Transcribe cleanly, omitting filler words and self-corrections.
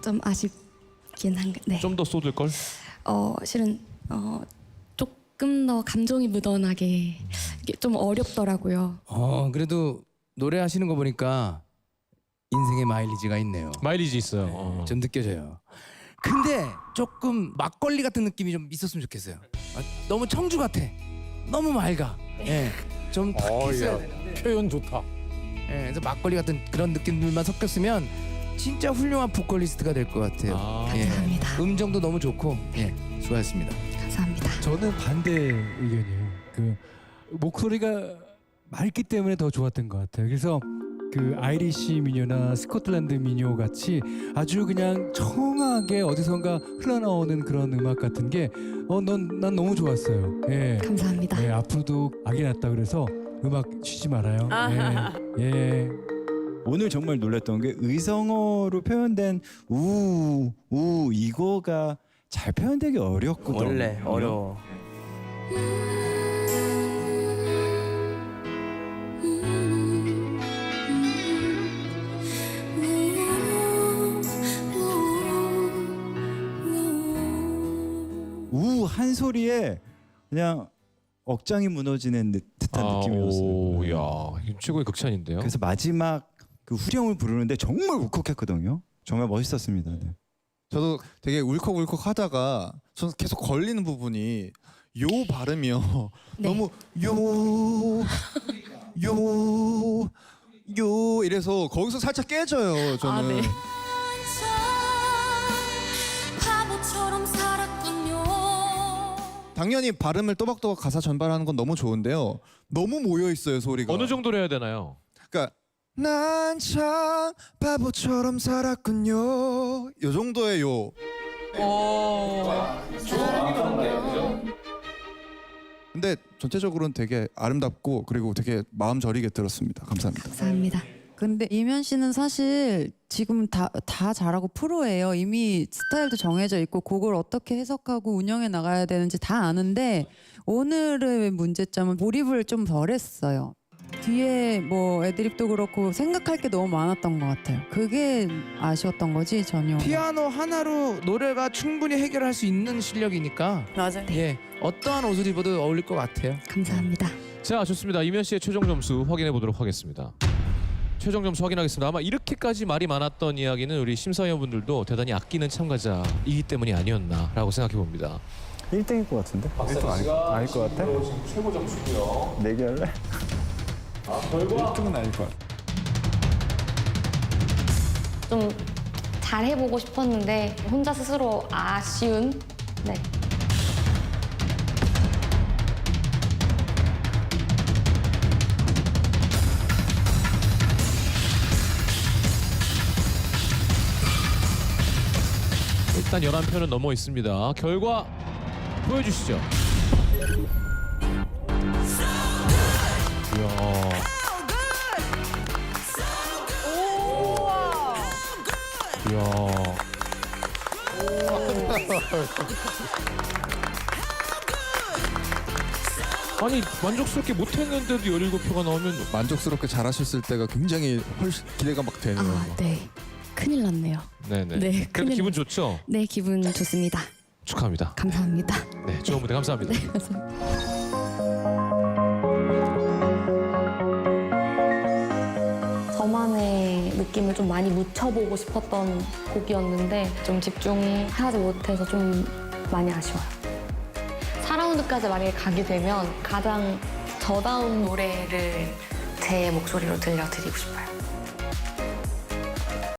좀 아쉽긴 한데. 네. 좀 더 쏟을 걸? 실은 조금 더 감정이 묻어나게 이게 좀 어렵더라고요. 그래도 노래하시는 거 보니까 인생의 마일리지가 있네요. 마일리지 있어요. 좀 느껴져요. 근데 조금 막걸리 같은 느낌이 좀 있었으면 좋겠어요. 너무 청주 같아. 너무 맑아. 예. 좀 탁했어야 되는데. 표현 좋다. 예. 그래서 막걸리 같은 그런 느낌들만 섞였으면 진짜 훌륭한 보컬리스트가 될 것 같아요. 예. 감사합니다. 음정도 너무 좋고. 예. 수고하셨습니다. 감사합니다. 저는 반대 의견이에요. 그 목소리가 맑기 때문에 더 좋았던 것 같아요. 그래서 그 아이리시 미녀나 스코틀랜드 미녀 같이 아주 그냥 청하게 어디선가 흘러나오는 그런 음악 같은 게 난 너무 좋았어요. 예. 감사합니다. 예, 앞으로도 악이 났다 그래서 음악 쉬지 말아요. 예. 예. 오늘 정말 놀랐던 게 의성어로 표현된 이거가 잘 표현되기 어렵거든요. 원래 어려워. 우 한 소리에 그냥 억장이 무너지는 듯한 느낌이었어요. 오, 야, 이거 최고의 극찬인데요. 그래서 마지막 그 후렴을 부르는데 정말 울컥했거든요. 정말 멋있었습니다. 네. 저도 되게 울컥울컥 하다가 저는 계속 걸리는 부분이 요 발음이요. 네. 너무 요 이래서 거기서 살짝 깨져요. 저는. 네. 바보처럼 살았군요. 당연히 발음을 또박또박 가사 전달하는 건 너무 좋은데요. 너무 모여 있어요 소리가. 어느 정도로 해야 되나요? 그러니까 난 참 바보처럼 살았군요. 요 정도의 요. 근데 전체적으로는 되게 아름답고 그리고 되게 마음 저리게 들었습니다. 감사합니다. 감사합니다. 근데 이면 씨는 사실 지금 다 잘하고 프로예요. 이미 스타일도 정해져 있고 곡을 어떻게 해석하고 운영해 나가야 되는지 다 아는데 오늘의 문제점은 몰입을 좀 덜 했어요. 뒤에 뭐 애드립도 그렇고 생각할 게 너무 많았던 것 같아요. 그게 아쉬웠던 거지 전혀. 피아노 하나로 노래가 충분히 해결할 수 있는 실력이니까 맞아요. 예. 어떠한 옷을 입어도 어울릴 것 같아요. 감사합니다. 자, 좋습니다. 이면 씨의 최종 점수 확인해 보도록 하겠습니다. 최종 점수 확인하겠습니다. 아마 이렇게까지 말이 많았던 이야기는 우리 심사위원분들도 대단히 아끼는 참가자이기 때문이 아니었나라고 생각해 봅니다. 1등일 것 같은데? 1등 아닐 것 같아? 지금 최고 점수고요. 내기 할래? 결과 1등은 아닐 것 같아. 좀 잘해보고 싶었는데 혼자 스스로 아쉬운 네. 일단 11표는 넘어 있습니다. 결과 보여주시죠. 이야. 이야. 아니 만족스럽게 못했는데도 17표가 나오면 만족스럽게 잘하셨을 때가 굉장히 훨씬 기대가 막 되네요. 네. 큰일 났네요. 네네. 네, 그래도 큰일 기분 났- 좋죠? 네, 기분 좋습니다. 축하합니다. 감사합니다. 네, 좋은 무대 감사합니다. 저만의 느낌을 좀 많이 묻혀보고 싶었던 곡이었는데 좀 집중하지 못해서 좀 많이 아쉬워요. 4라운드까지 만약에 가게 되면 가장 저다운 노래를 제 목소리로 들려드리고 싶어요.